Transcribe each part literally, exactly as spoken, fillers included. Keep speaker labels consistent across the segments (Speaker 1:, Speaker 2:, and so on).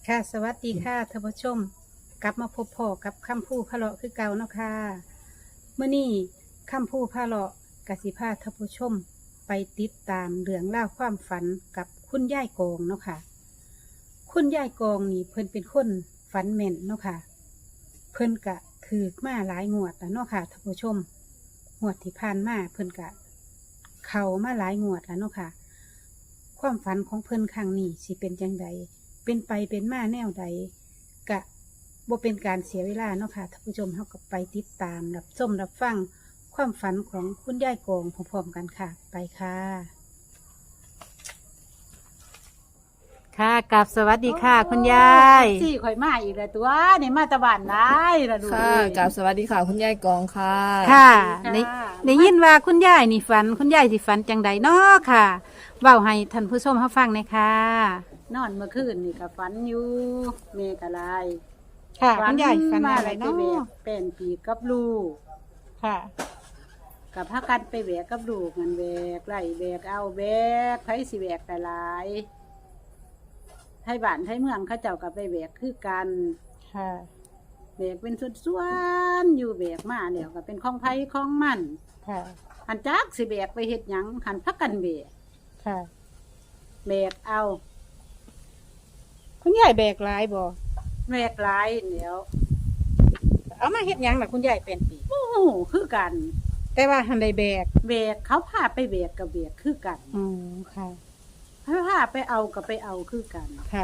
Speaker 1: ค่ะสวัสดีค่ะท่านผู้ชมกลับมาพบพ่อกับคำพูพะเลาะคือเก่าเนาะค่ะเมื่อนี้คำพูพะเลาะกสิพาท่านผู้ชมไปติดตามเรื่องเล่าวความฝันกับคุณยายกองเนาะค่ะคุณยายกองนี่เพิ่นเป็นคนฝันแม่นเนาะค่ะเพิ่นกะถือมาหลายงวดแล้วเนาะค่ะท่านผู้ชมงวดที่ผ่านมาเพิ่นกะ เข้ามาหลายงวดแล้วเนาะค่ะความฝันของเพิ่นครั้งนี้สิเป็นจังใดเป็นไปเป็นมาแนวใดกะบ่เป็นการเสียเวลาเนาะค่ะท่านผู้ชมเฮาก็ไปติดตามรับชมรับฟังความฝันของคุณยายกองพร้อมๆกันค่ะ ไปค่ะ ค่ะกับสวัสดีค่ะ คุณยายสี่ข่อยมาอีกแล้วตัวนี่มาตะวันได้ละดู
Speaker 2: ค่ะกับสวัสดีค่ะคุณยายกองค่ะ
Speaker 1: ค่ะได้ได้ยินว่าคุณยายนี่ฝันคุณยายสิฝันจังใดเนาะค่ะเว้าให้ท่านผู้ชมเฮาฟังหน่อยค่ะนอนเมื่อคืนนี่ก็ฝันอยู่เมกะลายค่ะคุณยายฝันอะไรเนาะเป็นปีกับลูกค่ะกับพากันไปแบกกับลูกมันแบกไล่แบกเอาแบกไผสิแบกแต่หลายไทยบ้านไทยเมืองเขาเจ้ากับไปแบกคือกันค่ะแบกเป็นส่วนๆอยู่แบกมาเดี๋ยวก็เป็นของไผของมันค่ะหันจักสิแบกไปเฮ็ดหยังหันพักกันแบกค่ะแบกเอาคุณยายแบกหลายบ่แบกหลายเดี๋ยวเอามาเฮ็ดหยังล่ะคุณยายเป็นปีโอ้โหคือกัน แต่ว่าหันได้แบกแบกเขาพาไปแบกกับแบกคือกันอ๋อค่ะเขาพาไปเอากับไปเอาคือกันค่ะ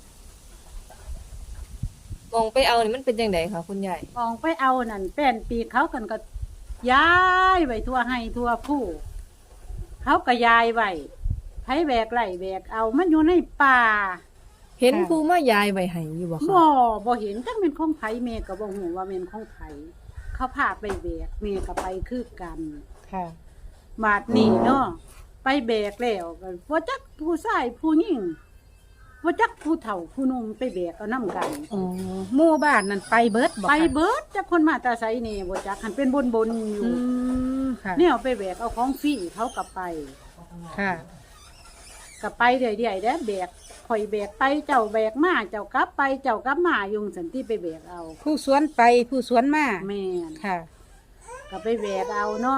Speaker 2: มองไปเอานี่มันเป็นยังไงคะคุณยาย
Speaker 1: มองไปเอานั่นแป้นปีเขากันก็ย้ายไว้ทั่วให้ทั่วผู้เขาก็ย้ายไว้ไผแบกไหลแบกเอามันอยู่ในป่า
Speaker 2: เห็นผู้มายายใบไห้อยู่บ่คะ
Speaker 1: บ่บ่เห็นจังเป็นของไผแม่ก็บ่ฮู้ว่าเป็นของไผเขาพาไปแบกแม่ก็ไปคือกันค่ะบาดนี้เนาะไปแบกแล้วก็บ่จักผู้ชายผู้หญิงบ่จักผู้เฒ่าผู้หนุ่มไปแบกเอานำกันอ๋อหมู่บ้านนั่นไปเบิดบ่ไปเบิดจักคนมาแต่ไสนี่บ่จักหันเป็นบนๆอยู่ค่ะเนี่ยไปแบกเอาของฟรีเขาก็ไปค่ะก็ไปเรื่อยๆเด้อแบกข่อยแบกไปเจ้าแบกมาเจ้ากลับไปเจ้ากลับมายุงสันติไปแบกเอาผู้สวนไปผู้สวนมาแม่นค่ะก็ไปแบกเอาเนาะ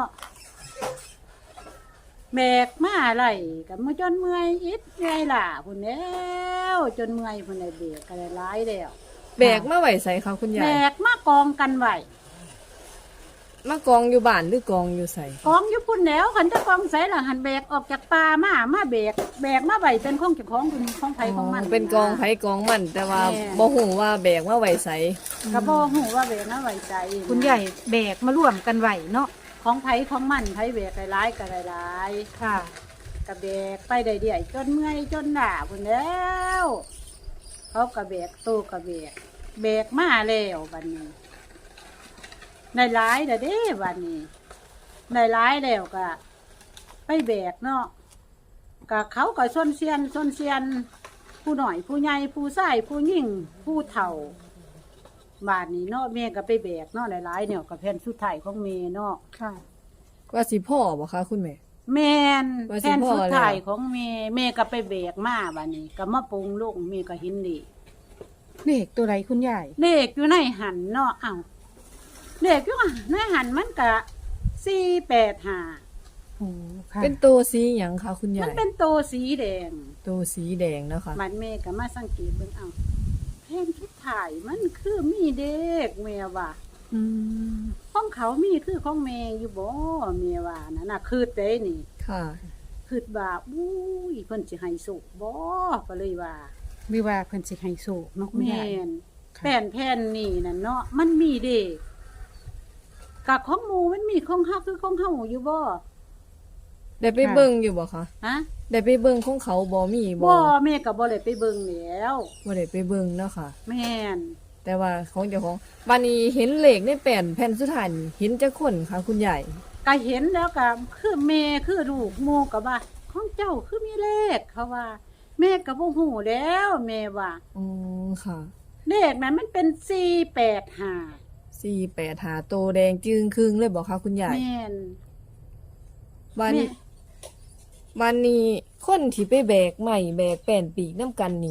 Speaker 1: แบกมาอะไรกับมาจนเมื่อยอิดเมื่อยล่ะพุ่นแล้วจนเมื่อยพุ่นได้แบกก็ได้หลายแล้ว
Speaker 2: แบกมาไหวใส่คะคุณยาย
Speaker 1: แบกมากองกันไว้
Speaker 2: มากองอยู่บ้านหรือกองอยู่ใส่
Speaker 1: กองอยู่พุ่นแล้วขันจะกองใส่หลังหันแบกออกจากป่ามามาแบกแบกมาไว้เป็นของเจ้าของเป็นของไผของมัน
Speaker 2: เป็นกองไผกองมัน แต่ว่า
Speaker 1: แม่
Speaker 2: บ่ฮู้ว่าแบกมาไหวใส่
Speaker 1: กระบอกหูว่าแบกมาไว้ใจคุณใหญ่แบกมาร่วมกันไว้เนาะของไผของมันไผแบกหลายๆก็หลายๆค่ะกระแบกไปได้เดี่ยจนเมื่อยจนหนาพุ่นแล้วเขากระแบกตู้กระแบกแบกมาแล้ววันนี้ในหลายเด้อเด้วันนี้ในหลายแล้วก็ไปแบกเนาะก็เขาก็ส้นเซียนส้นเซียนผู้หน่อยผู้ใหญ่ผู้ชายผู้หญิงผู้เฒ่าบาดนี้เนาะแม่ก็ไปแบกเนาะหลายๆเนี่ยกับแผ่นสุดท้ายของแม่เนาะค่ะ
Speaker 2: ว่าสิพ่อบ่คะคุณแม่
Speaker 1: แม่น
Speaker 2: ว่าสิ
Speaker 1: แผ่นสุดท้าย
Speaker 2: พ่อแล้ว
Speaker 1: ของแม่แม่ก็ไปแบกมาบาดนี้ก็มาปรุงลูกแม่ก็เห็นดีเลขตัวไหนคุณยายเลขอยู่ในหันเนาะเอ้าเลขอยู่ในหันมันก็สี่แปดห้าโอ้ค่ะ
Speaker 2: เป็นตัวสีหยังคะคุณ
Speaker 1: มั
Speaker 2: ยาน ย
Speaker 1: เป็นตัวสีแดง
Speaker 2: ตัวสีแดงเนาะค่ะ
Speaker 1: บัดแม่ก็มาสังเกตเบิ่งเอ้าแผ่นสุดท้ายมันคือมีเด็กแม่ว่า
Speaker 2: อืม
Speaker 1: ของเขามีคือของแม่อยู่บ่แม่ว่านั่นน่ะคือเด้นี่
Speaker 2: ค่ะ
Speaker 1: คือว่าอุ้ยเพิ่นสิให้สุกบ่ก็เลยว่าหรือว่าเพิ่นสิให้สุกเนาะคุณยายแม่นแผ่นแผ่นนี่น่ะเนาะมันมีเด็กกะของหมู่มันมีของเฮาคือของเฮาอยู่บ่
Speaker 2: ได้ไปเบิ่งอยู่บ่คะ
Speaker 1: ฮะ
Speaker 2: ได้ไปเบิ่งของเขาบ่มีบ่
Speaker 1: บ่แม่ก็บ่ได้ไปเบิ่งแล้ว
Speaker 2: บ่ได้ไปเบิ่งเนาะค่ะ
Speaker 1: แม่น
Speaker 2: แต่ว่าของเจ้าของบานนี้เห็นเลขในแผ่นแผ่นสุดท้ายนี่เห็นจักคนค่ะคุณยาย
Speaker 1: ก็เห็นแล้วก็คือแม่คือลูกหมู่ก็ว่าของเจ้าคือมีเลขเขาว่า แม่ก็บ่ฮู้แล้วแม่ว่า
Speaker 2: อ๋อค่ะ
Speaker 1: เลขนั้นมันเป็นสี่แปดห้า
Speaker 2: สี่แปดหาโตแดงจึงครึ่งเลยบอกคะคุณยาย
Speaker 1: แม่น
Speaker 2: บ้านนี้
Speaker 1: แม่
Speaker 2: บ้านนี้คนที่ไปแบกใหม่แบกแป้นปีกน้ำกันนี่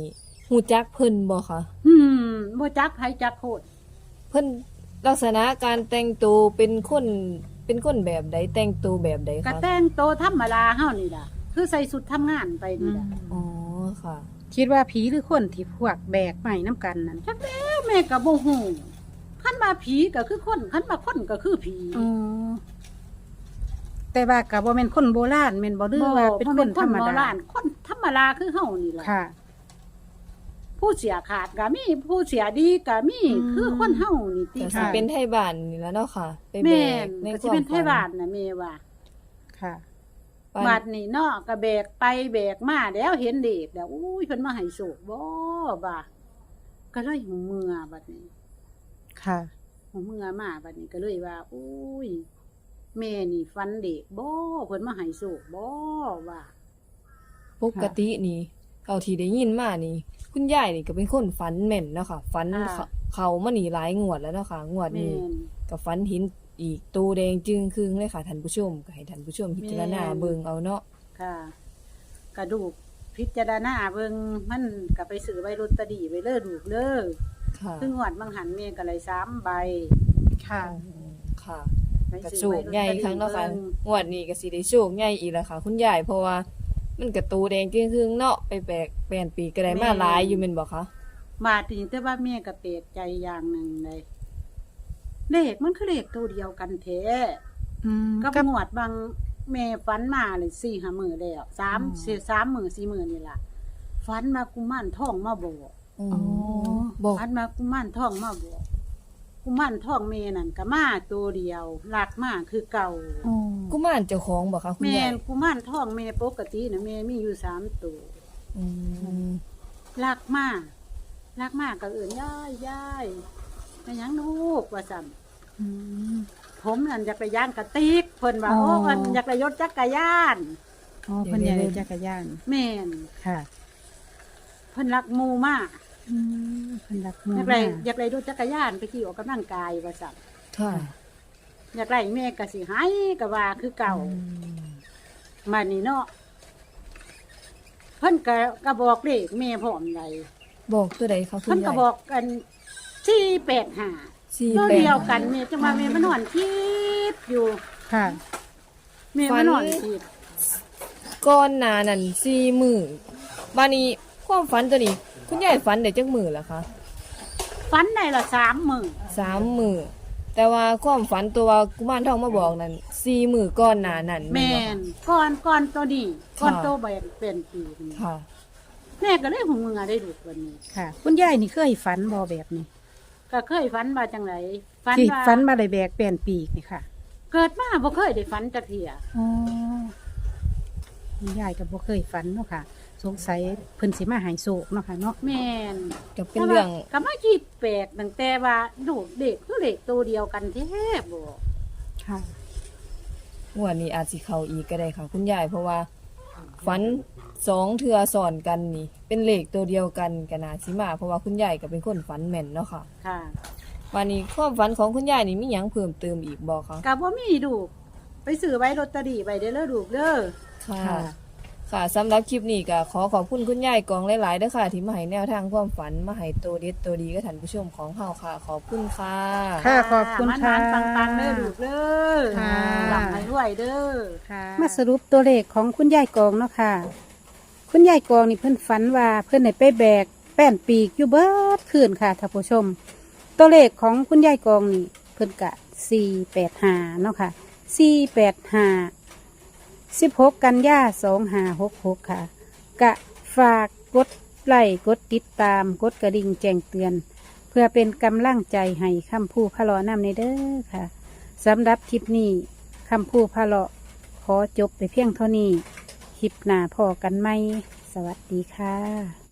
Speaker 2: ฮู้จักเพิ่นบ่คะ
Speaker 3: อืมบ่จักไผจักโคตร
Speaker 2: เพิ่นลักษณะการแต่งตัวเป็นคนเป็นคนแบบใดแต่งตัวแบบใด
Speaker 3: ก็
Speaker 2: คะ
Speaker 3: แต่งโตวธรรมดาเฮานี่ล่ะคือใส่ชุดทำงานไป
Speaker 1: อื
Speaker 3: นี่
Speaker 1: ม
Speaker 3: ล่ะ
Speaker 2: อ๋อค่ะ
Speaker 1: คิดว่าผีหรือคนที่พวกแบกใหม่น้ำกันนั่น
Speaker 3: จักแล้วแม่ก็บ่ฮู้คันว่าผีก็คือคนคันว่าคนก็คือผี
Speaker 1: อ๋อแต่ว่าก็บ่แม่นคนโบราณแม่นบ่หรือว่าเป็นคนธรรม
Speaker 3: โบ
Speaker 1: ดา
Speaker 3: ราณคนธรรมดาคือเฮานี่ล่ะ
Speaker 1: ค่ะ
Speaker 3: ผู้เสียขาดก็มีผู้เสียดีก็มี
Speaker 1: อืม
Speaker 3: คือคนเฮานี่ติ
Speaker 2: แต่สิ
Speaker 1: ค่ะ
Speaker 2: เป็นไทบ้านนี่แหล้วเนาะค่ะ ไปแบ
Speaker 3: แม่
Speaker 2: ก
Speaker 3: น
Speaker 2: ใน
Speaker 3: ก็
Speaker 2: ค
Speaker 3: สิ
Speaker 2: วาม
Speaker 3: เป็นไท
Speaker 2: ฝัน
Speaker 3: บ้านน่ะแม่ว่า
Speaker 1: ค่ะ
Speaker 2: ฝัน
Speaker 3: บัดนี้เนาะก็แบกไปแบกมาแล้วเห็นเด็กแล้วอุ้ยเพิ่นมาให้โชคบ่บ่าก็เลยหูเมื่อบัดนี้
Speaker 1: ค่ะ
Speaker 3: หูเมื่อมาบัดนี้ก็เลยว่าอุ้ยแม่นี่ฟันเด็กบ่เพิ่นมาให้โชคบ่ว่า
Speaker 2: ปกตินี่เอาที่ได้ยินมานี่ คุณยายนี่ก็เป็นคนฝันแม่นเนาะค่ะฝันเขาเขามานี่หลายงวดแล้วเนาะค่ะงวด
Speaker 3: แม่
Speaker 2: นี้
Speaker 3: น
Speaker 2: ก็ฝันเห็นอีกตูแดงจึงครึ่งเลยค่ะท่านผู้ชมก็ให้ท่านผู้ชมพิจารณา
Speaker 3: แม่น
Speaker 2: เบิ่งเอาเนาะ
Speaker 3: ค่ะ กระดูกพิจารณาเบิ่งมันก็ไปซื้อไว้ลอตเตอรี่ไว้เด้อลูกเด้อ
Speaker 2: ค่ะ
Speaker 3: คืองวดบางหันแม่ก็เลยสามใบ
Speaker 1: ค่ะ
Speaker 2: ค่ะ
Speaker 3: ไป
Speaker 2: กระ
Speaker 3: ซื้อ
Speaker 2: โชค
Speaker 3: ไว้ลอต
Speaker 2: ใหญ่
Speaker 3: เตอรี่
Speaker 2: ครั้งเนาะค่ะ
Speaker 3: เบิ่ง
Speaker 2: งวดนี้ก็สิได้โชคใหญ่อีกแล้วค่ะ คุณยายเพราะว่ามันกระตูแดงจึงครึ่งเนาะไปแบกแปลนปีก็ได้มาหลายอยู่แม่นบ่คะ
Speaker 3: มาถึงแต่ว่าแม่ก็เปลกใจอย่างหนึ่งเลยเลขมันคือเลขตัวเดียวกันแท้
Speaker 1: อืม
Speaker 3: กับ
Speaker 1: กับ
Speaker 3: งวดบางแม่ฝันมาเลยสี่ห้ามือแล้วสาม
Speaker 1: อ๋อ
Speaker 3: สี่สามมือสี่มือนี่ล่ะฝันมากุมารทองมาบอก
Speaker 2: อ๋อ
Speaker 1: อ๋อ
Speaker 2: บอก
Speaker 3: ฝันมากุมารทองมาบอกกุมารทองแม่นั่นก็มาตัวเดียวหลักมาคือเก่า
Speaker 1: อ๋อ
Speaker 2: กุมารเจ้าของบ่คะคุณ
Speaker 3: แม่
Speaker 2: ยาย
Speaker 3: นกุมารทองแม่ปกตินะแม่มีอยู่สามตัว
Speaker 2: อืม
Speaker 3: หลักมาหลักมาก็เอื่นย่ายย่ายไม่ยังลูกว่าสั่น
Speaker 1: อืม
Speaker 3: ผมนั่นอยากไปย่างกระติกเพิ่นว่า
Speaker 1: อ๋อ
Speaker 3: โอ้มันอยากไปยศจักรยาน
Speaker 1: อ๋อเพิ่นอยากได้จักรยาน
Speaker 3: แม่น
Speaker 1: ค่ะ
Speaker 3: เพิ่นรักหมูมาก
Speaker 1: อืมเพิ่นรักหมู่
Speaker 3: อยากไป
Speaker 1: มาก
Speaker 3: อยากไปรถจักรยานไปขี่ออกกำลังกายว่าสั่น
Speaker 2: ค่ะ
Speaker 3: อยากไล่แม่ก็สิให้ก็ว่าคือเก่า
Speaker 2: อืม
Speaker 3: มานี่เนาะเพิ่นก็ก็บอกเลขแม่พร้อมได
Speaker 2: บอกตัวใดคะคุ
Speaker 3: เพิ่
Speaker 2: ณ
Speaker 3: น
Speaker 2: ยา
Speaker 3: ก็
Speaker 2: ย
Speaker 3: บอกกันสี่แปดห้า
Speaker 2: สี่
Speaker 3: ตัว
Speaker 2: แปด
Speaker 3: เดียวกันแม่จังว่าแม่มานอนคิดอยู่
Speaker 1: ค่ะ
Speaker 3: แม่มานอนคิด
Speaker 2: ก้อนหนานั่นสี่มือบ้านนี้ความฝันตัวนี้ คุณยายฝันได้จักมือเหรอคะ
Speaker 3: ฝันได้ละสามมื้อ
Speaker 2: สามมือแต่ว่าความฝันตัวว่ากุมารทองมาบอกนั่นสี่มือก้อนหนานั่น
Speaker 3: แม่
Speaker 2: บ่
Speaker 3: นก่อนก่อนตัวนี้ก่อน
Speaker 2: ค่ะ
Speaker 3: ตัวใบเป็นปีนี่
Speaker 2: ค่ะ
Speaker 3: แม่ก็เลยหูมือได้ดูกวันนี้
Speaker 1: ค่ะ คุณยายนี่เคยฝันบ่แบบนี้
Speaker 3: ก็เคยฝันว่าจังไรฝัน
Speaker 1: ที่
Speaker 3: ว่า
Speaker 1: ฝันมาได้แบกแป้นปีกนี่ค่ะ
Speaker 3: เกิดมาบ่เคยได้ฝันจักเที่ย
Speaker 1: อ๋อคุณยายก็บ่เคยฝันเนาะค่ะ สงสัยเพิ่นสิมาใหายโศกเนาะค่ะเนาะ
Speaker 3: แม่น
Speaker 2: ก็เป็นเรื่อง
Speaker 3: แต่ว่าก็มาคิดแปลกตั้งแต่ว่าดูกเด็กคือเด็กตัวเดียวกันแท้บ่
Speaker 1: ค่ะ
Speaker 2: งวดนี้อาจสิเข้าอีกก็ได้ค่ะ คุณยายเพราะว่าฝันสองเทือสอนกันนี่ เป็นเลขตัวเดียวกันก็น่าสิมาเพราะว่าคุณยายก็เป็นคนฝันแม่นเนาะค่ะ
Speaker 3: ค่ะ
Speaker 2: วันนี้ความฝันของคุณยายนี่มีหยังเพิ่มเติมอีกบ่คะ
Speaker 3: ก็บ่มีดูกไปซื้อไว้ลอตเตอรี่ไว้เด้อเด้อลูกเด้อ
Speaker 2: ค่ะ
Speaker 1: ค่ะ
Speaker 2: ค่ะสำหรับคลิปนี้ก็ขอขอบคุณคุณยายกองหลายๆเด้อค่ะ ที่มาให้แนวทางความฝันมาให้ตัวเด็ดตัวดีกับท่านผู้ชมของเฮาค่ะ ขอบคุณค่ะ
Speaker 1: ค่ะขอบคุณค่ะ
Speaker 3: มันๆปังๆเด้อลูกเด้อ
Speaker 1: ค่ะ
Speaker 3: หลับให้รวยเด้อ
Speaker 1: มาสรุปตัวเลขของคุณยายกองเนาะค่ะ คุณยายกองนี่เพิ่นฝันว่าเพิ่นได้ไปแบกแป้นปีกอยู่เบิดคืนค่ะท่านผู้ชม ตัวเลขของคุณยายกองนี่เพิ่นกะสี่แปดห้าเนาะค่ะสี่แปดห้าสิบหกกันยาสองห้าหกหกค่ะ กะฝากกดไลค์กดติดตามกดกระดิ่งแจ้งเตือน เพื่อเป็นกำลังใจให้คำพูพะเลอนำในเด้อค่ะสำหรับคลิปนี้คำพูพะเลาะขอจบไปเพียงเท่านี้ คลิปหน้าพอกันไหม สวัสดีค่ะ